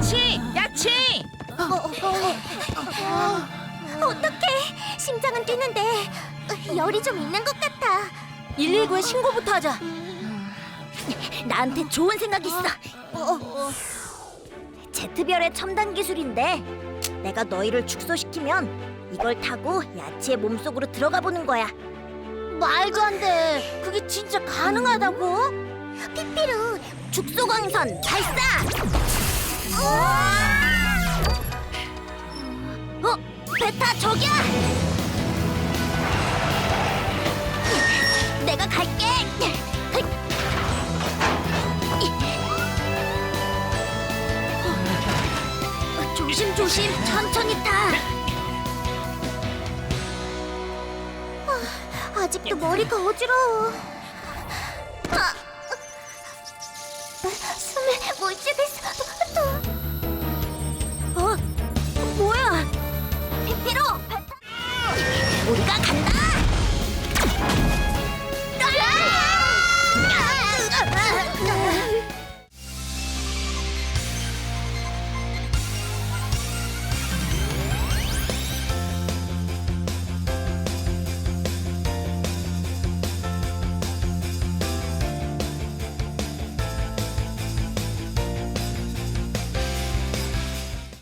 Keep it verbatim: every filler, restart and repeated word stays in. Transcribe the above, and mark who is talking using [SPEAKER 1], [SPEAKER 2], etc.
[SPEAKER 1] 야치! 야치!
[SPEAKER 2] 어떡해. 심장은 뛰는데 열이 좀 있는 것 같아.
[SPEAKER 3] 일일구에 신고부터 하자.
[SPEAKER 2] 나한테 좋은 생각 있어. 제트별의 첨단 기술인데 내가 너희를 축소시키면 이걸 타고 야치의 몸속으로 들어가 보는 거야.
[SPEAKER 3] 말도 안 돼. 그게 진짜 가능하다고?
[SPEAKER 2] 피피루, 축소광선 발사! 어? 베타 저기야! 내가 갈게! 조심조심 천천히 타! 아직도 머리가 어지러워.